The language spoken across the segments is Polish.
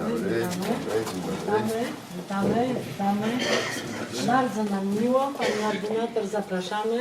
Witamy. Bardzo nam miło. Pani ordynator, zapraszamy.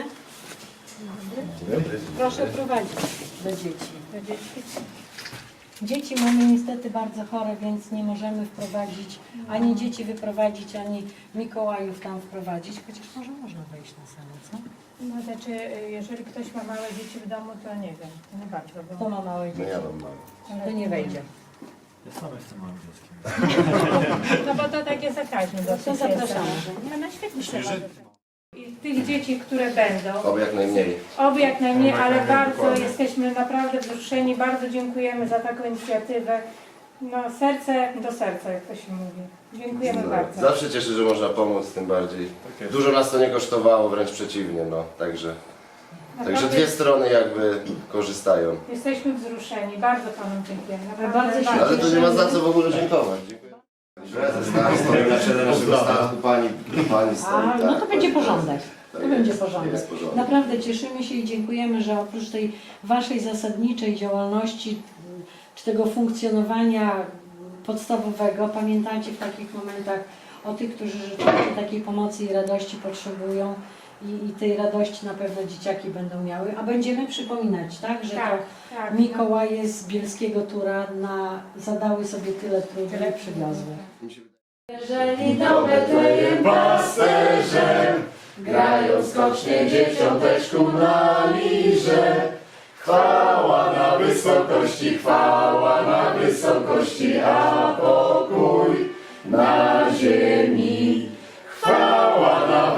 Proszę prowadzić do dzieci. Dzieci mamy niestety bardzo chore, więc nie możemy wprowadzić, ani dzieci wyprowadzić, ani Mikołajów tam wprowadzić, chociaż może można wejść na salę, co? No znaczy, jeżeli ktoś ma małe dzieci w domu, to nie wiem, to nie bardzo. Bo... Kto ma małe dzieci? No ja mam małe. To nie wejdzie. Ja sam jestem małym dzieckiem. No bo to takie zakaźne To dosyć zapraszamy. jest. No świetnie się może. I tych dzieci, które będą, Oby jak najmniej. oby jak najmniej, ale bardzo dokładnie. jesteśmy naprawdę wzruszeni, bardzo dziękujemy za taką inicjatywę. No serce do serca, jak to się mówi. Dziękujemy bardzo. Zawsze cieszę, że można pomóc, tym bardziej. Dużo nas to nie kosztowało, wręcz przeciwnie, no. Także Naprawdę dwie strony jakby korzystają. jesteśmy wzruszeni, bardzo Panom dziękujemy. Naprawdę Bardzo się Ale to nie ma za co w ogóle dziękować. Dziękuję. Prezes stoi na czele naszego statku, pani stoi. No tak, to będzie pani porządek. prezes. To będzie porządek. Jest porządek. Naprawdę cieszymy się i dziękujemy, że oprócz tej Waszej zasadniczej działalności, czy tego funkcjonowania podstawowego, pamiętacie w takich momentach o tych, którzy rzeczywiście takiej pomocy i radości potrzebują i tej radości na pewno dzieciaki będą miały, a będziemy przypominać, tak, że Tak, to tak. Mikołaje z Bielskiego Tura zadały sobie tyle trudu i przywiozły. Jeżeli do Betlejem pasterzem grają skocznie dzieciąteczku na lirze, chwała na wysokości, a pokój na ziemi. Chwała na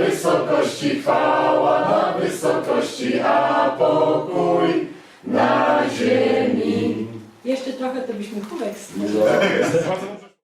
wysokości, a pokój na ziemi. Jeszcze trochę to byśmy chórek Bardzo dobrze.